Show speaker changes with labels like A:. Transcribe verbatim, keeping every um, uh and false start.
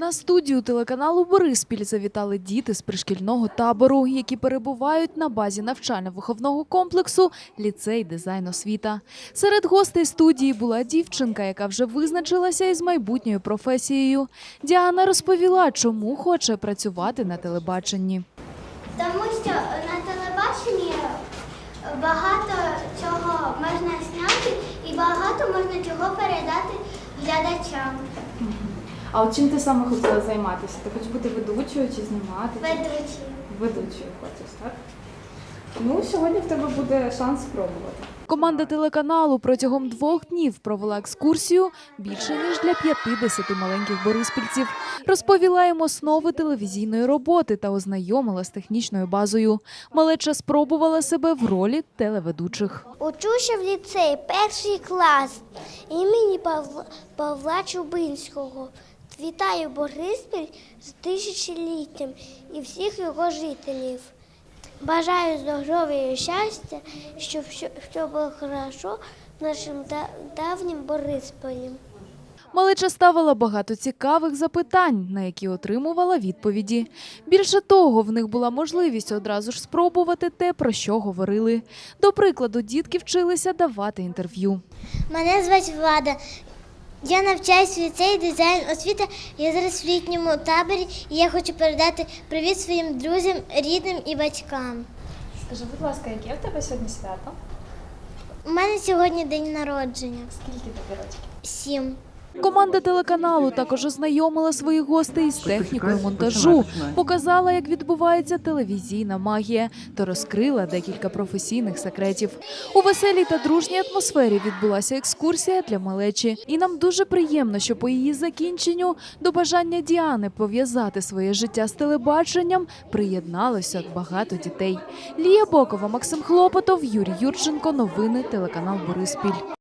A: На студію телеканалу «Бориспіль» завітали діти з пришкільного табору, які перебувають на базі навчально-виховного комплексу «Ліцей дизайн освіта». Серед гостей студії була дівчинка, яка вже визначилася із майбутньою професією. Діана розповіла, чому хоче працювати на телебаченні.
B: Тому що на телебаченні багато чого можна зняти і багато можна чого передати глядачам.
C: А от чим ти саме хотіла займатися? Ти хочеш бути ведучою чи знімати?
B: Ведучі.
C: Ведучою хочеш, так? Ну, сьогодні в тебе буде шанс спробувати.
A: Команда телеканалу протягом двох днів провела екскурсію більше ніж для п'ятдесяти маленьких бориспільців. Розповіла їм основи телевізійної роботи та ознайомила з технічною базою. Малеча спробувала себе в ролі телеведучих.
B: Учуся в ліцеї, перший клас імені Павла, Павла Чубинського. Вітаю Бориспіль з тисячоліттям і всіх його жителів. Бажаю здоров'я і щастя, щоб все було хорошо в нашому давнім Борисполі.
A: Малеча ставила багато цікавих запитань, на які отримувала відповіді. Більше того, в них була можливість одразу ж спробувати те, про що говорили. До прикладу, дітки вчилися давати інтерв'ю.
B: Мене звати Влада. Я навчаюсь в ліцеї дизайн освіта. Я зараз в літньому таборі і я хочу передати привіт своїм друзям, рідним і батькам.
C: Скажи, будь ласка, яке в тебе сьогодні свято?
B: У мене сьогодні день народження.
C: Скільки тобі років?
B: Сім.
A: Команда телеканалу також ознайомила своїх гостей з технікою монтажу, показала, як відбувається телевізійна магія, та розкрила декілька професійних секретів. У веселій та дружній атмосфері відбулася екскурсія для малечі. І нам дуже приємно, що по її закінченню до бажання Діани пов'язати своє життя з телебаченням приєдналося багато дітей. Лія Бокова, Максим Хлопотов, Юрій Юрченко. Новини телеканал «Бориспіль».